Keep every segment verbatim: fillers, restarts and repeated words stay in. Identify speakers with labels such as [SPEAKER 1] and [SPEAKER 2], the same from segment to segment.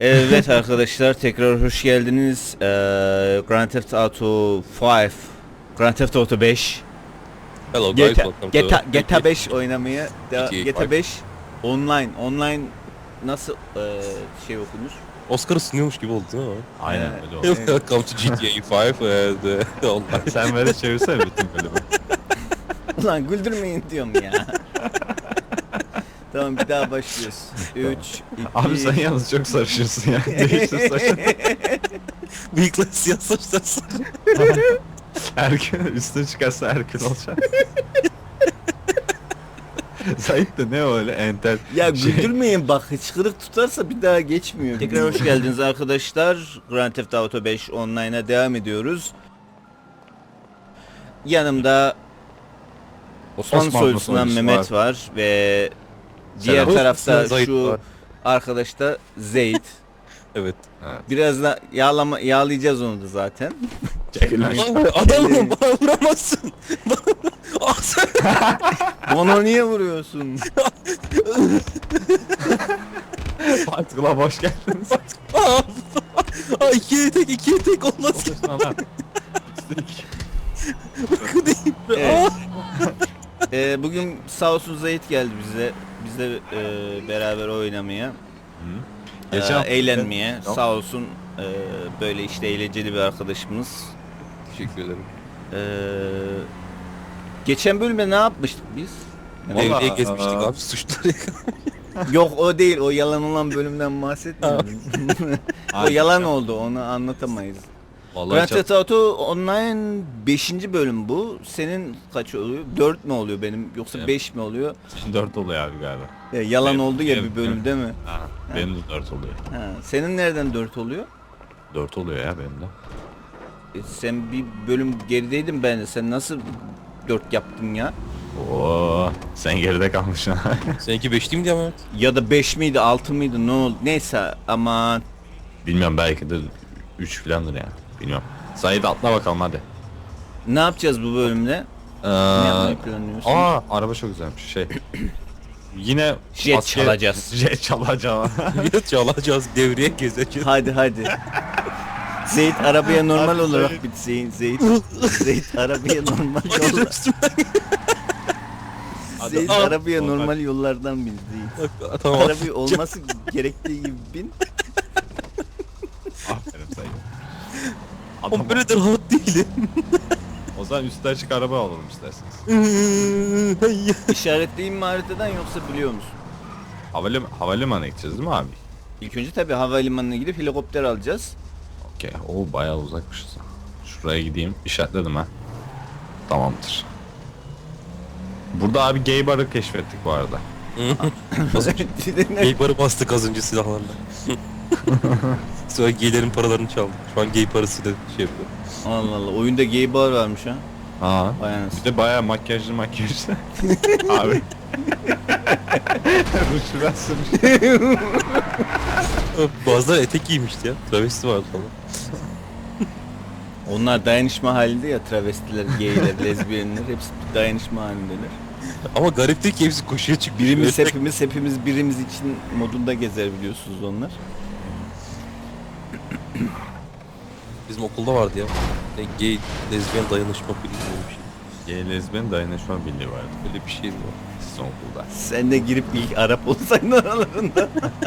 [SPEAKER 1] Evet arkadaşlar, tekrar hoş geldiniz. Ee, Grand Theft Auto beş, Grand Theft Auto beş,
[SPEAKER 2] Hello guys,
[SPEAKER 1] GTA,
[SPEAKER 2] welcome to
[SPEAKER 1] GTA, GTA beş oynamaya
[SPEAKER 2] G T A
[SPEAKER 1] GTA
[SPEAKER 2] five.
[SPEAKER 1] beş online online nasıl e, şey okunur?
[SPEAKER 2] Oscar'ı sunuyormuş gibi oldu değil mi?
[SPEAKER 3] Aynen
[SPEAKER 1] Evet.
[SPEAKER 3] öyle oldu.
[SPEAKER 1] Evet.
[SPEAKER 2] Welcome to G T A beş and uh, online.
[SPEAKER 3] Sen böyle çevirsene bütün bölümü.
[SPEAKER 1] Ulan güldürmeyin diyorum ya. Tamam, bir daha başlıyoruz. üç, iki...
[SPEAKER 3] Abi sen yalnız çok sarışırsın ya. Değiştir saçını.
[SPEAKER 2] Bıyıklar siyah saçlar sarı.
[SPEAKER 3] Erken üstüne çıkarsa erken olacak. Zahit de ne öyle entel.
[SPEAKER 1] Ya
[SPEAKER 3] şey-
[SPEAKER 1] güldürmeyin bak, hıçkırık tutarsa bir daha geçmiyor. Tekrar hoş geldiniz arkadaşlar. Grand Theft Auto beş online'a devam ediyoruz. Yanımda Osman,
[SPEAKER 3] Osman
[SPEAKER 1] soylusundan
[SPEAKER 3] soylusu
[SPEAKER 1] Mehmet var, ve diğer
[SPEAKER 3] Selam.
[SPEAKER 1] tarafta
[SPEAKER 2] Zahit
[SPEAKER 1] şu
[SPEAKER 2] var.
[SPEAKER 1] arkadaş da Zeyt.
[SPEAKER 2] Evet.
[SPEAKER 1] Biraz da yağlama yağlayacağız onu da zaten.
[SPEAKER 3] Çekil lan.
[SPEAKER 2] Aa, adamım bana vuramazsın. Ah sen.
[SPEAKER 1] Onu niye vuruyorsun?
[SPEAKER 3] Fatih'la hoş geldiniz.
[SPEAKER 2] Aa, Aa, ikiye tek ikiye tek olmaz ki.
[SPEAKER 3] Otursun lan.
[SPEAKER 2] Bakın değil.
[SPEAKER 1] Evet.
[SPEAKER 2] Aa.
[SPEAKER 1] Ee, bugün sağ olsun Zeyt geldi bize. Bizle e, beraber oynamaya.
[SPEAKER 3] Geçen
[SPEAKER 1] Ee,
[SPEAKER 3] hafta-
[SPEAKER 1] eğlenmeye.
[SPEAKER 3] Yok.
[SPEAKER 1] Sağ olsun e, böyle işte eğlenceli bir arkadaşımız.
[SPEAKER 2] Teşekkür ederim.
[SPEAKER 1] Ee, geçen bölümde ne yapmıştık biz?
[SPEAKER 3] Vallahi,
[SPEAKER 2] Devreye gezmiştik
[SPEAKER 3] aa.
[SPEAKER 2] abi suçları yakalamıştık.
[SPEAKER 1] Yok, o değil, o yalan olan bölümden bahsetmiyorum. O
[SPEAKER 3] Abi,
[SPEAKER 1] yalan oldu, onu anlatamayız.
[SPEAKER 3] Vallahi
[SPEAKER 1] Grand
[SPEAKER 3] çok...
[SPEAKER 1] Theft Auto Online beşinci bölüm bu. Senin kaç oluyor? dört mü oluyor benim, yoksa
[SPEAKER 3] Benim-
[SPEAKER 1] beş mi oluyor?
[SPEAKER 3] dört oluyor abi galiba.
[SPEAKER 1] Ya, yalan
[SPEAKER 3] Benim-
[SPEAKER 1] oldu ya
[SPEAKER 3] benim-
[SPEAKER 1] bir bölüm değil mi?
[SPEAKER 3] Ha, benim de dört oluyor.
[SPEAKER 1] Ha, senin nereden dört oluyor?
[SPEAKER 3] dört oluyor ya benim de.
[SPEAKER 1] E, sen bir bölüm gerideydin ben de. Sen nasıl dört yaptın ya?
[SPEAKER 3] Oo, sen geride kalmışsın.
[SPEAKER 2] Seninki beş değil mi diye Mehmet?
[SPEAKER 1] Ya da beş miydi, altı mıydı, ne oldu? Neyse, aman.
[SPEAKER 3] Bilmiyorum, belki de üç filandır ya. Bilmiyorum. Zahit atla bakalım hadi.
[SPEAKER 1] Ne yapacağız bu bölümde?
[SPEAKER 3] Ee,
[SPEAKER 1] Ne yapmayı planlıyorsun?
[SPEAKER 3] aa, araba çok güzelmiş şey. Yine
[SPEAKER 1] Jet
[SPEAKER 3] asker-
[SPEAKER 1] çalacağız.
[SPEAKER 3] Jet çalacağım.
[SPEAKER 2] Bir çalacağız, devreye gezeceğiz.
[SPEAKER 1] Hadi hadi. Zeyt arabaya normal
[SPEAKER 3] Hadi
[SPEAKER 1] olarak
[SPEAKER 3] Zeyt.
[SPEAKER 1] bit Zeyt. Zeyt, Zeyt arabaya normal
[SPEAKER 2] Bakın
[SPEAKER 1] yollar.
[SPEAKER 2] üstümden.
[SPEAKER 1] Zeyt
[SPEAKER 3] Hadi.
[SPEAKER 1] arabaya
[SPEAKER 3] Normal.
[SPEAKER 1] normal yollardan bin Zeyt.
[SPEAKER 2] Tamam.
[SPEAKER 1] Arabayı olması gerektiği gibi bin.
[SPEAKER 3] Aferin Zahit.
[SPEAKER 2] Ama
[SPEAKER 3] Adam,
[SPEAKER 2] böyle de rahat değilim.
[SPEAKER 3] o zaman üstü açık araba alalım isterseniz.
[SPEAKER 1] İşaretleyeyim mi haritadan, yoksa biliyor musun?
[SPEAKER 3] Havalim havalimanına gideceğiz değil mi abi?
[SPEAKER 1] İlk önce tabii havalimanına gidip helikopter alacağız.
[SPEAKER 3] Okey. O bayağı uzakmışız. Şuraya gideyim. İşaretledim ha. Tamamdır. Burada abi gay barı keşfettik bu arada.
[SPEAKER 2] Gay barı bastık az önce silahlarla. Sonra gaylerin paralarını çaldık. Şu an gay parasıyla şey yapıyor.
[SPEAKER 1] Allah Allah, oyunda gay bar varmış ha.
[SPEAKER 3] Aa.
[SPEAKER 1] Vay
[SPEAKER 3] Bir
[SPEAKER 1] anasını.
[SPEAKER 3] de bayağı makyajlı makyajlı. abi. Ruj ben sürmüş.
[SPEAKER 2] Bazıları etek giymişti ya. Travesti vardı falan.
[SPEAKER 1] Onlar dayanışma halinde ya, travestiler, gayler, lezbiyenler hepsi dayanışma halindeler.
[SPEAKER 2] Ama garip değil ki hepsi koşuya çıkmış.
[SPEAKER 1] Birimiz
[SPEAKER 2] Öyle-
[SPEAKER 1] hepimiz hepimiz birimiz için modunda gezer, biliyorsunuz onlar.
[SPEAKER 2] Bizim okulda vardı ya. Ne gay, lezbiyen dayanışma birliği gibi bir şey.
[SPEAKER 3] Gay lezbiyen dayanışma birliği vardı.
[SPEAKER 2] Öyle bir şeydi o.
[SPEAKER 3] Sizin okulda.
[SPEAKER 1] Sen de girip ilk Arap olsaydın aralarında.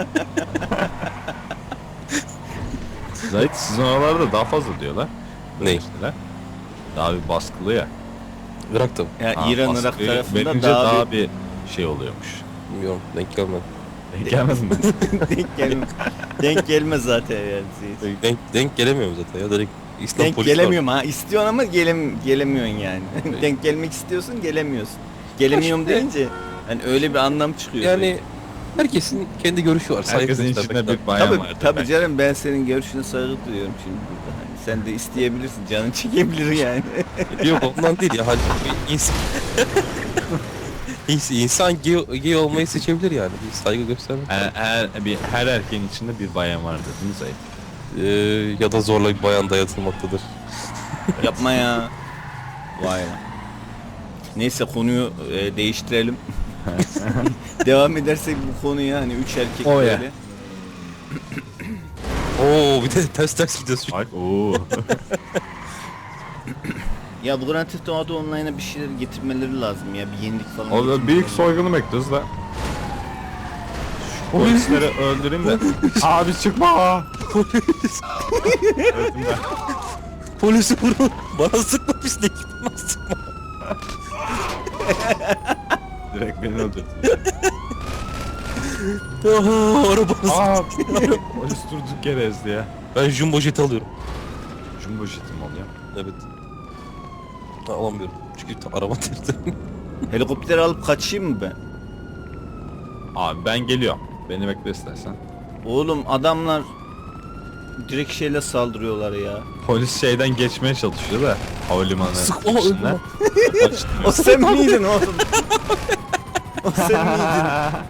[SPEAKER 3] Zahit sizin oralarda daha fazla diyorlar.
[SPEAKER 2] Ne?
[SPEAKER 3] Şeyler. Daha bir baskılı ya.
[SPEAKER 2] Irak'ta mı?
[SPEAKER 1] Ya
[SPEAKER 3] Ha,
[SPEAKER 1] İran Irak
[SPEAKER 3] baskıyı
[SPEAKER 1] tarafında
[SPEAKER 3] verince
[SPEAKER 1] daha,
[SPEAKER 3] daha
[SPEAKER 1] bir
[SPEAKER 3] bir şey oluyormuş.
[SPEAKER 2] Bilmiyorum. Denk gelmedi.
[SPEAKER 3] Denk gelmedin mi?
[SPEAKER 1] denk gelme. Denk gelmez zaten yani. Seyit.
[SPEAKER 2] Denk, denk gelemiyorum zaten ya. Direkt İslam
[SPEAKER 1] Denk
[SPEAKER 2] polisi var.
[SPEAKER 1] gelemiyorum ha. İstiyorsun ama gelem gelemiyorsun yani. Denk gelmek istiyorsun, gelemiyorsun. Gelemiyorum
[SPEAKER 2] İşte-
[SPEAKER 1] deyince hani öyle bir anlam çıkıyor.
[SPEAKER 2] Yani herkesin kendi görüşü var. Saygı
[SPEAKER 3] Herkesin
[SPEAKER 2] göstermek
[SPEAKER 3] içinde
[SPEAKER 2] lazım.
[SPEAKER 3] bir bayan
[SPEAKER 1] Tabii
[SPEAKER 3] vardır.
[SPEAKER 1] tabii
[SPEAKER 3] belki.
[SPEAKER 1] canım, ben senin görüşüne saygı duyuyorum şimdi burada. Hani sen de isteyebilirsin, canın çekebilir yani.
[SPEAKER 2] Yok ondan değil ya. Hani insan... İns- insan gay, gay olmayı seçebilir yani. Bir saygı göstermek.
[SPEAKER 3] Her, her, bir, her erkeğin içinde bir bayan vardır değil mi Zahit?
[SPEAKER 2] Ee, ya da zorla bir bayan dayatılmaktadır.
[SPEAKER 1] Yapma ya. Vay lan. Neyse, konuyu e, değiştirelim. Devam edersek bu konuya, hani üç erkek
[SPEAKER 3] O ya.
[SPEAKER 1] böyle.
[SPEAKER 2] Oo bir de ters ters gidiyoruz.
[SPEAKER 3] Bak ooo.
[SPEAKER 1] Ya bu Grand Theft Auto Online'a bir şeyler getirmeleri lazım ya. Bir yenilik falan.
[SPEAKER 3] O da
[SPEAKER 1] getirmeleri
[SPEAKER 3] büyük
[SPEAKER 1] lazım.
[SPEAKER 3] soygunu bekliyoruz da. Şu polisleri öldüreyim de. Abi çıkma.
[SPEAKER 2] Polis.
[SPEAKER 3] Öldüm ben.
[SPEAKER 2] Polisi vurun. Bana sıkma pislik. Bana sıkma.
[SPEAKER 3] Direkt beni öldürdü.
[SPEAKER 2] Aha arabası.
[SPEAKER 3] Aa polis durduk yere ezdi ya.
[SPEAKER 2] Ben jumbo jet alıyorum.
[SPEAKER 3] Jumbo jetim oluyor.
[SPEAKER 2] Evet. Ha, alamıyorum. Çünkü ta- araba tertemiz.
[SPEAKER 1] Helikopter alıp kaçayım mı ben?
[SPEAKER 3] Abi ben geliyorum. Beni bekle istersen.
[SPEAKER 1] Oğlum adamlar direkt şeyle saldırıyorlar ya.
[SPEAKER 3] Polis şeyden geçmeye çalışıyor da havalimanı
[SPEAKER 2] Sık- o
[SPEAKER 3] içinden.
[SPEAKER 1] O sen miydin oğlum? O sen miydin?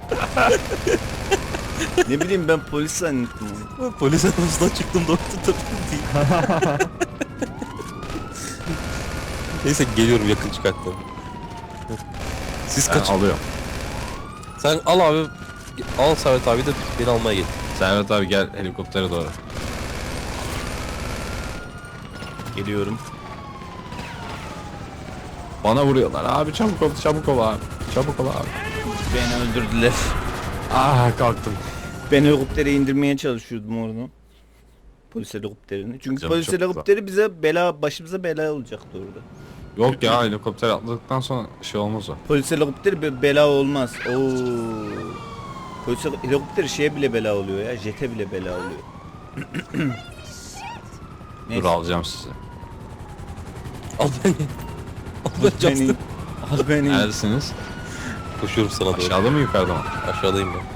[SPEAKER 1] Ne bileyim ben polis zannettim onu.
[SPEAKER 2] Polis arabasından çıktım doktor tabii değil. Neyse geliyorum yakın çıkarttım. Siz
[SPEAKER 3] Ben
[SPEAKER 2] kaç?
[SPEAKER 3] alıyorum.
[SPEAKER 2] Sen al abi. Al Servet abi de beni almaya gel.
[SPEAKER 3] Servet abi gel helikoptere doğru.
[SPEAKER 1] Geliyorum.
[SPEAKER 3] Bana vuruyorlar abi çabuk ol çabuk ol abi. Çabuk ol abi.
[SPEAKER 1] Beni öldürdüler.
[SPEAKER 3] Ah kalktım.
[SPEAKER 1] Ben helikoptere indirmeye çalışıyordum orada. Polis helikopterini. Çünkü
[SPEAKER 3] Canım
[SPEAKER 1] polis
[SPEAKER 3] çok
[SPEAKER 1] helikopteri bize bela, başımıza bela olacaktı orada.
[SPEAKER 3] Yok ya helikopter atladıktan sonra şey olmaz o.
[SPEAKER 1] Polis helikopteri be- bela olmaz. Oo. Polis heli- helikopteri şeye bile bela oluyor ya. Jete bile bela oluyor.
[SPEAKER 3] Dur alacağım sizi.
[SPEAKER 2] Al beni. Al
[SPEAKER 1] Al
[SPEAKER 2] beni.
[SPEAKER 1] beni.
[SPEAKER 2] Justin.
[SPEAKER 1] Al beni.
[SPEAKER 3] Neredesiniz?
[SPEAKER 2] Koşuyorum sana doğru.
[SPEAKER 3] Aşağıda mı yukarıda mı?
[SPEAKER 2] Aşağıdayım ben.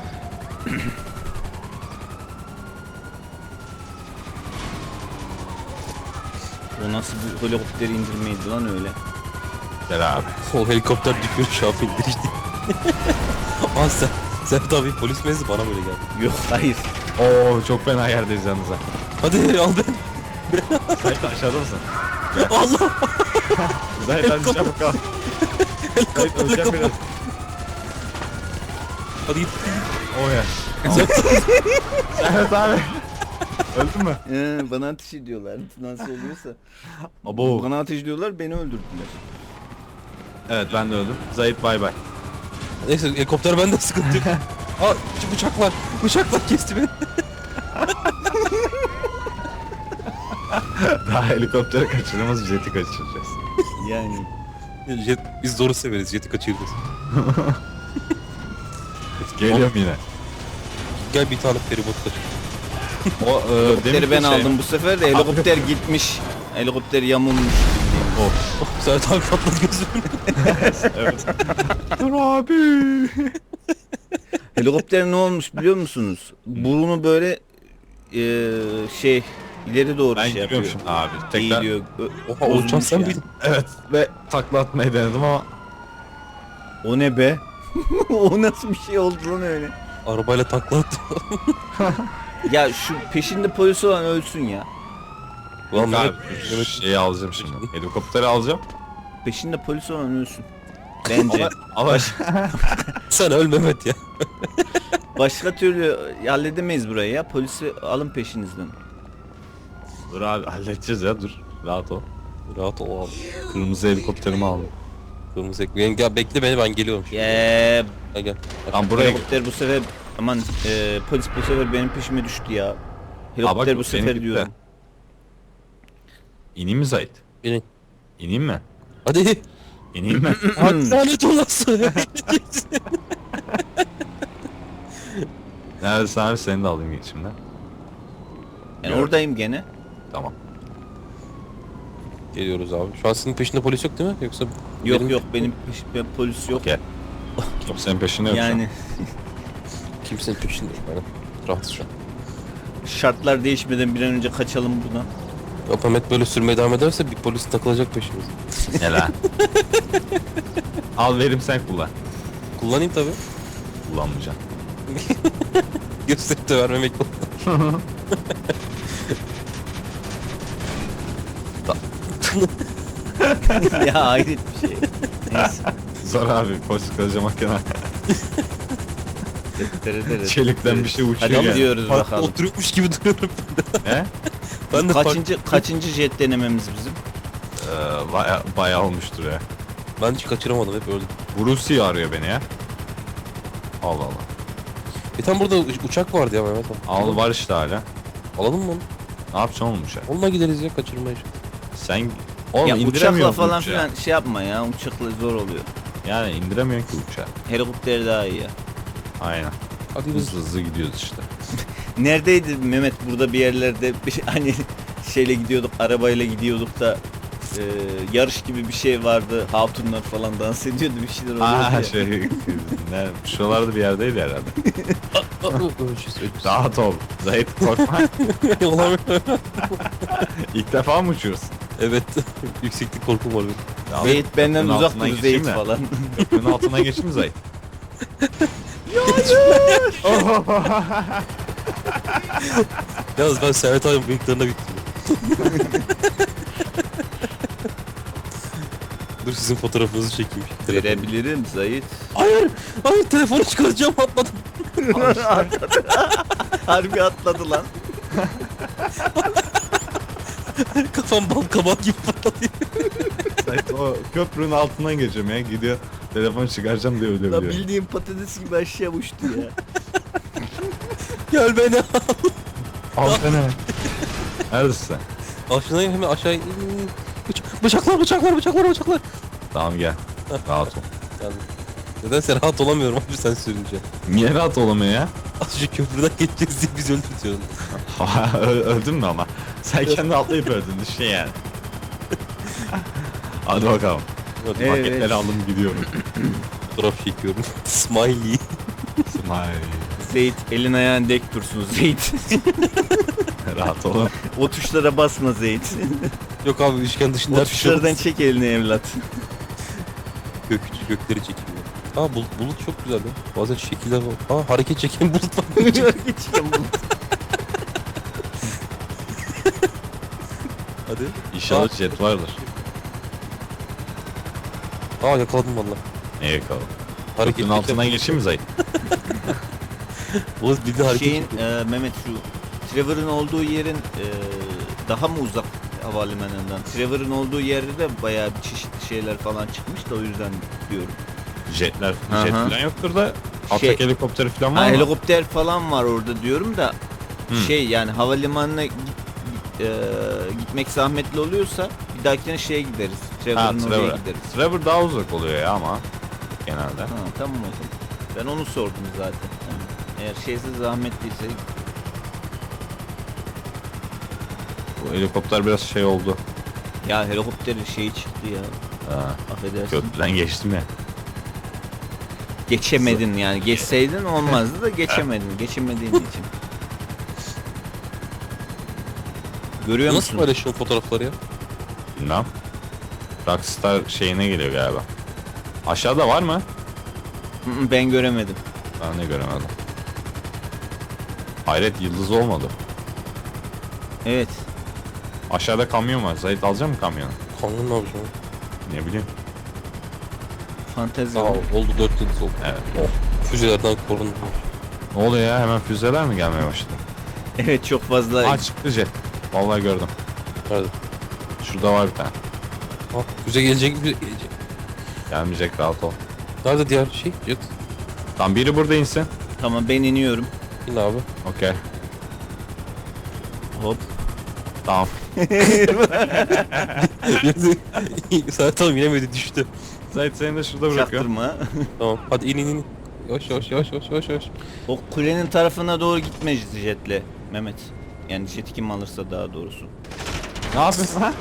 [SPEAKER 1] O nasıl bir helikopteri indirmeydi lan öyle.
[SPEAKER 3] Gel abi.
[SPEAKER 2] O helikopter düşüyor şu an indirişti. Aa sen. Servet abi polis mezi bana böyle geldi.
[SPEAKER 1] Yok hayır.
[SPEAKER 3] Oo çok fena yerdeyiz yalnız ha.
[SPEAKER 2] Hadi al ben.
[SPEAKER 3] Zahit aşağıda mısın?
[SPEAKER 2] Allah.
[SPEAKER 3] Zahit hadi çabuk al. Zahit öleceğim biraz.
[SPEAKER 2] Hadi git.
[SPEAKER 3] O ya. Servet abi. Öldün mü?
[SPEAKER 1] Ee, bana ateş ediyorlar. Nasıl oluyorsa.
[SPEAKER 3] Abo.
[SPEAKER 1] Bana ateş ediyorlar, beni öldürdüler.
[SPEAKER 3] Evet ben de öldüm. Zahit bay bay.
[SPEAKER 2] Neyse helikopter bende sıkıntı yok. Aa şu bıçak var. Bıçaklar kesti beni.
[SPEAKER 3] Daha helikoptere kaçırmamız jeti kaçıracağız.
[SPEAKER 1] Yani.
[SPEAKER 2] Jet, biz zoru severiz. Jet'i kaçırırız.
[SPEAKER 3] Geliyorum yine.
[SPEAKER 2] Gel bir tane feribot kaç.
[SPEAKER 3] O e,
[SPEAKER 1] Helikopteri
[SPEAKER 3] deminki
[SPEAKER 1] ben
[SPEAKER 3] şey-
[SPEAKER 1] aldım bu sefer de helikopter gitmiş. Helikopter yamulmuş.
[SPEAKER 3] Of.
[SPEAKER 2] Servet abi patladı gözümün.
[SPEAKER 3] Evet. Dur abi.
[SPEAKER 1] Helikopter ne olmuş biliyor musunuz? Burnu böyle eee şey ileri doğru
[SPEAKER 3] Ben
[SPEAKER 1] şey
[SPEAKER 3] giriyorum
[SPEAKER 1] yapıyor.
[SPEAKER 3] şimdi abi. Tekrar.
[SPEAKER 1] Eğiliyor. Ö-
[SPEAKER 2] Oha o uçan
[SPEAKER 1] bozulmuş
[SPEAKER 2] sen
[SPEAKER 1] yani.
[SPEAKER 2] miydin?
[SPEAKER 3] Evet ve takla atmayı denedim ama
[SPEAKER 1] O ne be? O nasıl bir şey oldu lan öyle?
[SPEAKER 2] Arabayla takla attı.
[SPEAKER 1] Ya şu peşinde polis olan ölsün ya.
[SPEAKER 2] Ulan
[SPEAKER 3] abi
[SPEAKER 2] Mehmet,
[SPEAKER 3] şu
[SPEAKER 2] Mehmet
[SPEAKER 3] şeyi alacağım şimdi. Helikopteri alacağım.
[SPEAKER 1] Peşinde polis olan ölsün. Bence.
[SPEAKER 3] Ama, ama
[SPEAKER 2] sen öl Mehmet ya.
[SPEAKER 1] Başka türlü halledemeyiz burayı ya. Polisi alın peşinizden.
[SPEAKER 3] dur abi halledeceğiz ya dur. Rahat ol.
[SPEAKER 2] Rahat ol abi.
[SPEAKER 3] Kırmızı helikopterimi aldım.
[SPEAKER 2] Kırmızı ekmeğin. Ya bekle beni ben geliyorum şimdi.
[SPEAKER 1] Eee
[SPEAKER 2] Gel gel.
[SPEAKER 3] Lan buraya
[SPEAKER 1] helikopter bu sefer aman eee, polis bu sefer benim peşime düştü ya. Helikopter
[SPEAKER 3] bak,
[SPEAKER 1] bu sefer
[SPEAKER 3] benimki de.
[SPEAKER 1] diyorum.
[SPEAKER 3] İneyim mi Zahit?
[SPEAKER 2] Binin.
[SPEAKER 3] İneyim mi?
[SPEAKER 2] Hadi.
[SPEAKER 3] İneyim mi?
[SPEAKER 2] Hadi lanet olası.
[SPEAKER 3] Neredesin abi seni de alayım geçimden.
[SPEAKER 1] Yani
[SPEAKER 3] Yok.
[SPEAKER 1] oradayım gene.
[SPEAKER 3] Tamam.
[SPEAKER 2] Geliyoruz abi. Şu an senin peşinde polis yok değil mi? Yoksa
[SPEAKER 1] Yok
[SPEAKER 2] benim-
[SPEAKER 1] yok benim peşimde polis yok.
[SPEAKER 3] Gel. Kimsenin peşinde yok şu an.
[SPEAKER 1] Yani
[SPEAKER 2] Kimsenin peşinde yok. Aynen. Rahatız şu an.
[SPEAKER 1] şartlar değişmeden bir an önce kaçalım buradan.
[SPEAKER 2] Ya Mehmet böyle sürmeye devam ederse bir polis takılacak peşimize.
[SPEAKER 3] Ne lan? Al verim sen kullan.
[SPEAKER 2] Kullanayım tabi.
[SPEAKER 3] Kullanmayacaksın.
[SPEAKER 2] Gösterip de vermemek yok.
[SPEAKER 1] Ya hayret bir şey. Neyse.
[SPEAKER 3] Zor abi polis kılıcı makine. Çelikten bir şey uçuyor
[SPEAKER 1] Hadi
[SPEAKER 3] yani.
[SPEAKER 1] gidiyoruz
[SPEAKER 2] Parkta
[SPEAKER 1] bakalım.
[SPEAKER 2] oturuyormuş gibi duruyorum.
[SPEAKER 3] He?
[SPEAKER 2] Ben de
[SPEAKER 1] Kaçıncı
[SPEAKER 2] park-
[SPEAKER 1] kaçıncı jet denememiz bizim?
[SPEAKER 3] Ee, baya, bayağı olmuştur ya.
[SPEAKER 2] Ben hiç kaçıramadım, hep öldüm.
[SPEAKER 3] Brucey arıyor beni ya. Allah Allah.
[SPEAKER 2] E tam burada uçak vardı ya Mehmet abi.
[SPEAKER 3] Al var işte hala.
[SPEAKER 2] Alalım mı onu?
[SPEAKER 3] Ne yapacaksın oğlum uçağı?
[SPEAKER 2] Onunla gideriz ya, kaçırmayız.
[SPEAKER 3] Sen oğlum
[SPEAKER 1] Ya uçakla
[SPEAKER 3] indiremiyorsun
[SPEAKER 1] falan
[SPEAKER 3] uçağı.
[SPEAKER 1] filan şey yapma ya. Uçakla zor oluyor.
[SPEAKER 3] Yani indiremiyorsun ki uçağı.
[SPEAKER 1] Helikopter daha iyi ya.
[SPEAKER 3] Aynen.
[SPEAKER 2] Hadi biz.
[SPEAKER 3] Hızlı hızlı gidiyoruz işte.
[SPEAKER 1] Neredeydi Mehmet, burada bir yerlerde bir şey- hani şeyle gidiyorduk, arabayla gidiyorduk da e, yarış gibi bir şey vardı. Hatunlar falan dans ediyordu, bir şeyler oluyordu
[SPEAKER 3] Aa
[SPEAKER 1] ya.
[SPEAKER 3] şey ne şuralarda bir yerdeydi herhalde.
[SPEAKER 2] Öleceğiz, öleceğiz.
[SPEAKER 3] Rahat ol. Zahit korkma.
[SPEAKER 2] Olamıyor.
[SPEAKER 3] İlk defa mı uçuyorsun?
[SPEAKER 2] Evet. Yükseklik korkum var benim.
[SPEAKER 3] Ya,
[SPEAKER 1] Zeyt benden
[SPEAKER 3] köprünün
[SPEAKER 1] uzak
[SPEAKER 3] altından
[SPEAKER 1] dur
[SPEAKER 3] geçeyim
[SPEAKER 1] Zeyt
[SPEAKER 3] mi?
[SPEAKER 1] falan.
[SPEAKER 3] Köprünün altından geçeyim mi Zahit?
[SPEAKER 2] Yalnız ben Serhat abinin bıyıklarına bittim. Dur sizin fotoğrafınızı çekeyim. Telefonu.
[SPEAKER 1] Verebilirim Zeyt.
[SPEAKER 2] Hayır! Hayır, telefonu çıkaracağım, atladım.
[SPEAKER 1] Harbi atladı lan.
[SPEAKER 2] Kafam bal kabak gibi patladı.
[SPEAKER 3] Zahit o köprünün altından geçiyorum ya. Gidiyor telefonu çıkaracağım diye öyle
[SPEAKER 1] Lan
[SPEAKER 3] biliyor.
[SPEAKER 1] bildiğin patates gibi aşağı uçtu ya.
[SPEAKER 2] Gel beni al.
[SPEAKER 3] Al seni. Neredesin sen?
[SPEAKER 2] Aşağıya hemen aşağı in. Bıç- Bıçaklar, bıçaklar, bıçaklar, bıçaklar.
[SPEAKER 3] Tamam gel. Rahat ol.
[SPEAKER 2] Yani, nedense rahat olamıyorum abi sen sürünce.
[SPEAKER 3] Niye rahat olamıyor ya?
[SPEAKER 2] Azıcık köprüden geçeceğiz diye bizi öldürtüyorsun.
[SPEAKER 3] Ö- Öldün mü ama? Sen kendi atlayıp öldün düşün yani. Hadi bakalım.
[SPEAKER 2] Hadi
[SPEAKER 1] Evet.
[SPEAKER 3] Paketleri aldım gidiyorum.
[SPEAKER 2] fotoğraf çekiyorum. Smiley.
[SPEAKER 3] Smile.
[SPEAKER 1] Zeyt elin ayağın dek dursun Zeyt.
[SPEAKER 3] Rahat olun.
[SPEAKER 1] O tuşlara basma Zeyt.
[SPEAKER 2] Yok abi, üçgen dışında
[SPEAKER 1] O
[SPEAKER 2] her şey yok.
[SPEAKER 1] tuşlardan çek elini evlat.
[SPEAKER 2] Gök, gökleri çekiyor. Aa bulut, bulut çok güzel ya. Bazen şekiller var. Aa hareket çeken bulut var.
[SPEAKER 1] Geçeceğim bunu.
[SPEAKER 2] Hadi.
[SPEAKER 3] İnşallah
[SPEAKER 2] Aa.
[SPEAKER 3] jet vardır.
[SPEAKER 2] Aa yakaladım valla.
[SPEAKER 3] Neye yakalım?
[SPEAKER 2] Hareket
[SPEAKER 3] Köprünün altından geçeyim mi Zahit?
[SPEAKER 2] Bulut bir de hareket
[SPEAKER 1] Şeyin
[SPEAKER 2] çekiyor.
[SPEAKER 1] e, Mehmet şu Trevor'ın olduğu yerin e, daha mı uzak havalimanından? Trevor'ın olduğu yerde de bayağı bir çeşitli şeyler falan çıkmış da o yüzden diyorum.
[SPEAKER 3] Jetler,
[SPEAKER 1] Aha.
[SPEAKER 3] jet falan yoktur da atak
[SPEAKER 1] Şey-
[SPEAKER 3] helikopteri falan
[SPEAKER 1] Ha,
[SPEAKER 3] var mı?
[SPEAKER 1] helikopter falan var orada diyorum da
[SPEAKER 3] Hmm.
[SPEAKER 1] şey yani havalimanına git, e, gitmek zahmetli oluyorsa bir dahakine şeye gideriz.
[SPEAKER 3] Ha
[SPEAKER 1] Trevor'ın oraya
[SPEAKER 3] Trevor.
[SPEAKER 1] gideriz.
[SPEAKER 3] Trevor daha uzak oluyor ya ama genelde.
[SPEAKER 1] Ha, tamam o zaman. Ben onu sordum zaten. Yani eğer şeyse zahmetliyse
[SPEAKER 3] Bu helikopter biraz şey oldu.
[SPEAKER 1] ya helikopterin şeyi çıktı ya.
[SPEAKER 3] Ha,
[SPEAKER 1] Affedersin.
[SPEAKER 3] köprüden geçtim ya.
[SPEAKER 1] Geçemedin yani. Geçseydin olmazdı da geçemedin. Geçemediğin için. Görüyor
[SPEAKER 2] Nasıl
[SPEAKER 1] musun?
[SPEAKER 2] paylaşıyorsun fotoğrafları ya?
[SPEAKER 3] Bilmem. Rockstar şeyine geliyor galiba. Aşağıda var mı?
[SPEAKER 1] Hı hı, ben göremedim.
[SPEAKER 3] Ben de göremedim. Hayret yıldız olmadı.
[SPEAKER 1] Evet.
[SPEAKER 3] Aşağıda kamyon var. Zahit alacak mı kamyonu?
[SPEAKER 2] Kanun ne yapacağım?
[SPEAKER 3] Ne bileyim.
[SPEAKER 1] Fantezi.
[SPEAKER 2] Aa oldu, dört yıldız oldu.
[SPEAKER 3] Evet.
[SPEAKER 2] Füzelerden korundu.
[SPEAKER 3] Ne oluyor ya? Hemen füzeler mi gelmeye başladı?
[SPEAKER 1] Evet çok fazla.
[SPEAKER 3] Aa çıktı jet. Vallahi gördüm.
[SPEAKER 2] Nerede?
[SPEAKER 3] Şurada var bir tane.
[SPEAKER 2] Aa füze gelecek, füze gelecek.
[SPEAKER 3] Gelmeyecek rahat ol.
[SPEAKER 2] Nerede diğer şey? Jet.
[SPEAKER 3] Tam biri burada insin.
[SPEAKER 1] Tamam ben iniyorum.
[SPEAKER 2] İn abi.
[SPEAKER 3] Okey.
[SPEAKER 1] Hop.
[SPEAKER 3] Tamam.
[SPEAKER 2] Sen tam inemedi, düştü.
[SPEAKER 3] Zahit seni de şurada bırakıyorum.
[SPEAKER 1] Çaktırma.
[SPEAKER 2] Tamam hadi in in in. Yavaş yavaş yavaş yavaş yavaş yavaş.
[SPEAKER 1] O kulenin tarafına doğru gitme jetle Mehmet. Yani jeti kim alırsa daha doğrusu.
[SPEAKER 3] Ne yapıyorsun ha?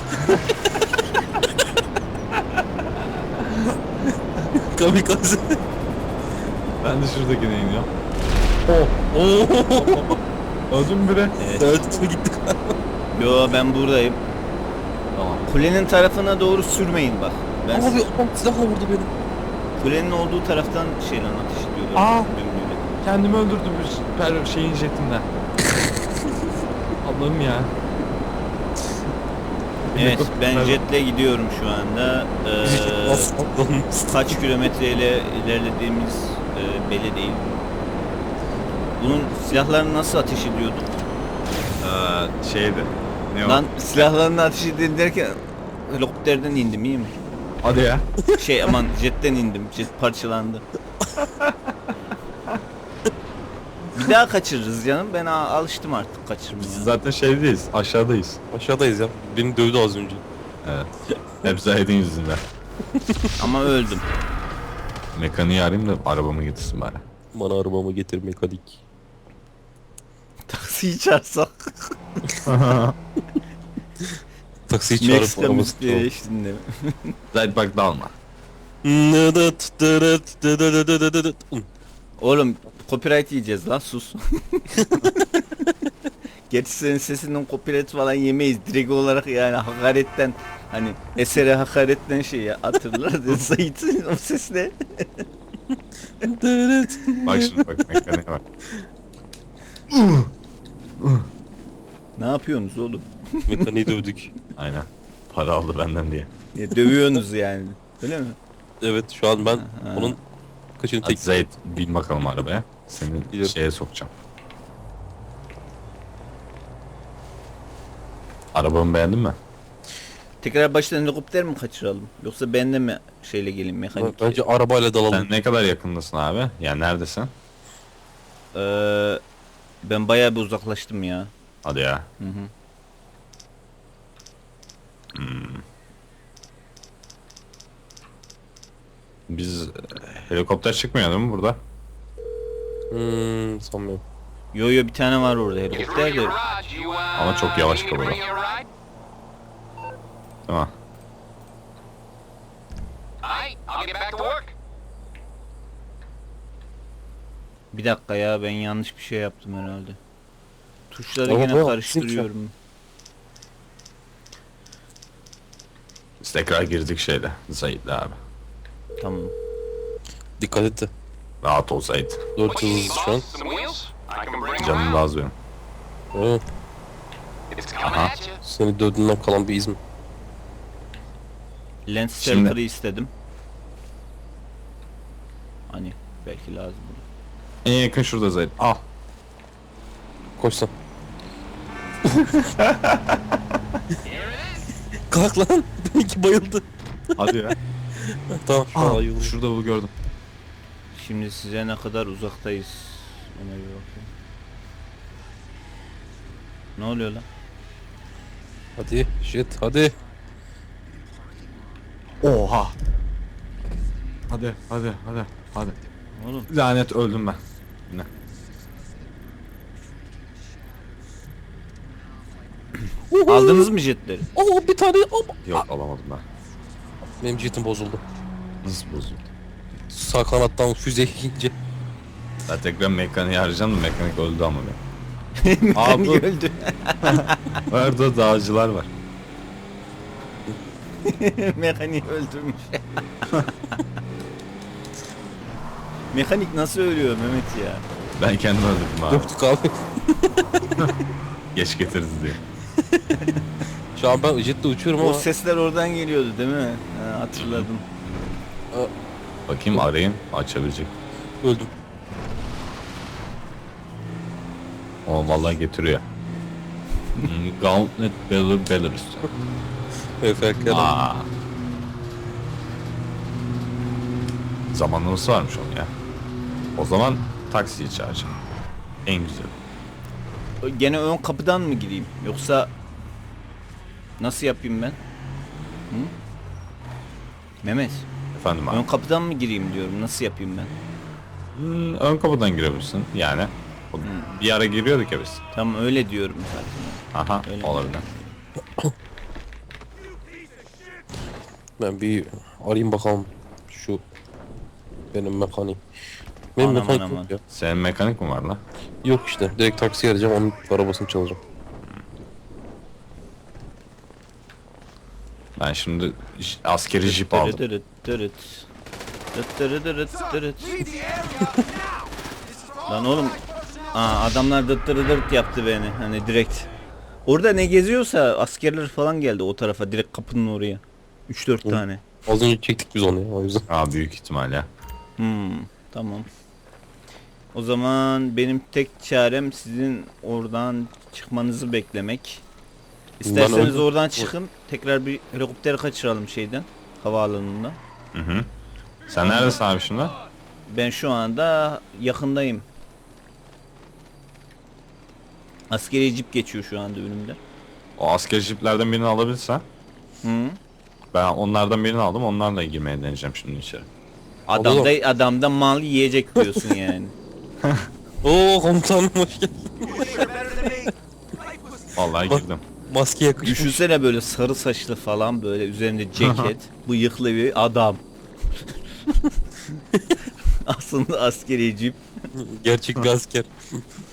[SPEAKER 2] Kamikaze.
[SPEAKER 3] Ben de şuradakine iniyorum.
[SPEAKER 2] Oo.
[SPEAKER 3] Öldüm mü bire?
[SPEAKER 1] Evet.
[SPEAKER 2] Evet gittik.
[SPEAKER 1] Yo ben buradayım.
[SPEAKER 3] Tamam.
[SPEAKER 1] Kulenin tarafına doğru sürmeyin bak. Ben
[SPEAKER 2] Abi adam silahla vurdu beni.
[SPEAKER 1] kulenin olduğu taraftan şeyle ateş ediyorlar.
[SPEAKER 3] Aa!
[SPEAKER 1] Dürbünüyle.
[SPEAKER 3] Kendimi öldürdüm bir per şeyin jetinden. Allah'ım ya.
[SPEAKER 1] Evet ben
[SPEAKER 3] Helikopter-
[SPEAKER 1] jetle gidiyorum şu anda. Ee,
[SPEAKER 2] Nasıl atladın?
[SPEAKER 1] kaç kilometreyle ilerlediğimiz e, belli değil. Bunun silahlarını nasıl ateş ediyorduk?
[SPEAKER 3] Ee, şeydi. Ne
[SPEAKER 1] Lan silahlarını ateş edin derken helikopterden indim, iyi mi?
[SPEAKER 3] Hadi ya.
[SPEAKER 1] Şey aman jetten indim. Jet parçalandı. Bir daha kaçırırız canım. Ben a- alıştım artık kaçırmaya.
[SPEAKER 3] Zaten şeydeyiz. Aşağıdayız.
[SPEAKER 2] Aşağıdayız ya. Beni dövdü az önce.
[SPEAKER 3] Evet. Hep Zahid'in yüzünden.
[SPEAKER 1] Ama öldüm.
[SPEAKER 3] Mekaniği arayayım da arabamı getirsin bari.
[SPEAKER 2] Bana arabamı getir mekanik.
[SPEAKER 1] Taksiyi çağırsak.
[SPEAKER 2] Taksiyi çağırıp
[SPEAKER 1] Meksika
[SPEAKER 2] arabası
[SPEAKER 1] müziği
[SPEAKER 2] çalalım.
[SPEAKER 1] eşliğinde.
[SPEAKER 3] Zahid bak dalma.
[SPEAKER 1] Oğlum copyright yiyeceğiz lan, sus. Gerçi senin sesinden copyright falan yemeyiz. Direkt olarak yani hakaretten, hani esere hakaretten şey ya, hatırlar. Sait'in o sesle.
[SPEAKER 3] Bak şimdi bak mekaniğe bak.
[SPEAKER 1] Ne yapıyorsunuz oğlum?
[SPEAKER 2] Mekaniği dövdük.
[SPEAKER 3] Aynen. Para aldı benden diye.
[SPEAKER 1] Ya, dövüyorsunuz yani. Öyle mi?
[SPEAKER 2] Evet şu an ben
[SPEAKER 1] Ha.
[SPEAKER 2] onun kaçını
[SPEAKER 3] Hadi
[SPEAKER 2] tek...
[SPEAKER 3] Zahid bin bakalım arabaya. Seni
[SPEAKER 2] Biliyorum.
[SPEAKER 3] şeye sokacağım. Arabamı beğendin mi?
[SPEAKER 1] Tekrar baştan helikopter mi kaçıralım? Yoksa ben de mi şeyle geleyim, mekanik?
[SPEAKER 2] Bence arabayla dalalım.
[SPEAKER 3] Sen ne kadar yakındasın abi? Yani neredesin?
[SPEAKER 1] Ee, ben bayağı bir uzaklaştım ya.
[SPEAKER 3] Hadi ya.
[SPEAKER 1] Hı hı.
[SPEAKER 3] Biz e, helikopter çıkmıyor değil mi burada?
[SPEAKER 2] Hmm, sanmıyorum.
[SPEAKER 1] Yo yo, bir tane var orada helikopter de.
[SPEAKER 3] Ama çok yavaş kalıyor. Tamam.
[SPEAKER 1] Bir dakika ya, ben yanlış bir şey yaptım herhalde. Tuşları
[SPEAKER 2] Ama
[SPEAKER 1] yine
[SPEAKER 2] bu-
[SPEAKER 1] karıştırıyorum.
[SPEAKER 3] Biz tekrar girdik şeyle. Zahid'le abi.
[SPEAKER 1] Tamam.
[SPEAKER 2] Dikkat et de.
[SPEAKER 3] Rahat ol Zahid.
[SPEAKER 2] Dört yıldız şu an.
[SPEAKER 3] Canım lazım benim.
[SPEAKER 2] Evet.
[SPEAKER 3] Aha.
[SPEAKER 2] Seni dövdüğünden kalan bir iz mi?
[SPEAKER 1] Lens
[SPEAKER 3] Şimdi-
[SPEAKER 1] server'ı istedim. Hani belki lazım olur.
[SPEAKER 3] En yakın şurada Zahid. Al.
[SPEAKER 2] Koş sen. Kalk lan. Benimki bayıldı.
[SPEAKER 3] Hadi ya.
[SPEAKER 2] Tamam şu an
[SPEAKER 3] Aa,
[SPEAKER 2] ayıldı.
[SPEAKER 3] şurada bu gördüm.
[SPEAKER 1] Şimdi size ne kadar uzaktayız? Ona bir bakayım. Ne oluyor lan?
[SPEAKER 2] Hadi shit hadi.
[SPEAKER 3] Oha. Hadi hadi hadi hadi.
[SPEAKER 1] Oğlum
[SPEAKER 3] Lanet öldüm ben. Ne?
[SPEAKER 1] aldınız mı jetleri?
[SPEAKER 2] Oo bir tane ama.
[SPEAKER 3] Yok alamadım ben.
[SPEAKER 2] Benim jetim bozuldu.
[SPEAKER 3] Nasıl bozuldu?
[SPEAKER 2] Sağ kanattan füze yiyince.
[SPEAKER 3] Ben tekrar mekaniği arayacağım da mekanik öldü ama benim.
[SPEAKER 1] Mekanik
[SPEAKER 3] bu-
[SPEAKER 1] öldü.
[SPEAKER 3] Orada dağcılar var.
[SPEAKER 1] Mekanik öldürmüş. Mekanik nasıl ölüyor Mehmet ya?
[SPEAKER 3] Ben kendim öldürdüm abi.
[SPEAKER 2] Döktük abi.
[SPEAKER 3] Geç getirdi diye.
[SPEAKER 2] Şu an ben jetle uçuyorum
[SPEAKER 1] O
[SPEAKER 2] ama.
[SPEAKER 1] sesler oradan geliyordu değil mi? Ha, hatırladım.
[SPEAKER 3] Bakayım arayayım açabilecek.
[SPEAKER 2] Öldüm.
[SPEAKER 3] O vallahi getiriyor. Hmm, Gauntlet Beller Belarus.
[SPEAKER 2] F F K'dan.
[SPEAKER 3] Aa. Zamanlaması varmış onun ya. O zaman taksiyi çağıracağım. En güzel.
[SPEAKER 1] Gene ön kapıdan mı gireyim? Yoksa nasıl yapayım ben? Hı? Mehmet,
[SPEAKER 3] Efendim abi.
[SPEAKER 1] ön kapıdan mı gireyim diyorum. Nasıl yapayım ben?
[SPEAKER 3] Hmm, ön kapıdan girebilirsin yani. O bir ara giriyorduk ya biz.
[SPEAKER 1] Tam öyle diyorum zaten.
[SPEAKER 3] Aha
[SPEAKER 1] Öyle.
[SPEAKER 3] olabilir.
[SPEAKER 2] Ben bir arayayım bakalım şu benim mekanik. Benim
[SPEAKER 1] Aman,
[SPEAKER 2] mekanik
[SPEAKER 1] aman,
[SPEAKER 2] yok ya.
[SPEAKER 3] Senin mekanik mi var lan?
[SPEAKER 2] Yok işte. Direkt taksi arayacağım onun arabasını çalacağım.
[SPEAKER 3] Ben şimdi j- askeri jip aldım.
[SPEAKER 1] Dırıt dırıt. Dırıt dırıt dırıt dırıt. Lan oğlum. Aa, adamlar dıt dırıt dırt yaptı beni. Hani direkt. Orada ne geziyorsa askerler falan geldi o tarafa. Direkt kapının oraya. üç dört
[SPEAKER 2] Hı.
[SPEAKER 1] tane.
[SPEAKER 2] Az önce çektik biz onu ya o yüzden.
[SPEAKER 3] Aa büyük ihtimal ya.
[SPEAKER 1] Hmm, tamam. O zaman benim tek çarem sizin oradan çıkmanızı beklemek. İsterseniz
[SPEAKER 2] öldüm.
[SPEAKER 1] oradan çıkın. Tekrar bir helikopter kaçıralım şeyden. Havaalanından.
[SPEAKER 3] Hı hı. Sen neredesin abi şimdi?
[SPEAKER 1] Ben şu anda yakındayım. Askeri cip geçiyor şu anda önümde.
[SPEAKER 3] O asker jiplerden birini alabilirsen.
[SPEAKER 1] Hı.
[SPEAKER 3] Ben onlardan birini aldım. Onlarla girmeye deneyeceğim şimdi içeri.
[SPEAKER 1] Adamda adamda mal yiyecek diyorsun yani.
[SPEAKER 2] Oo komutanım hoş geldin.
[SPEAKER 3] Vallahi
[SPEAKER 2] Bak-
[SPEAKER 3] girdim.
[SPEAKER 2] Maske yakışmış.
[SPEAKER 1] Düşünsene böyle sarı saçlı falan böyle üzerinde ceket, bıyıklı bir adam. Aslında askeri cip.
[SPEAKER 2] Gerçek bir asker.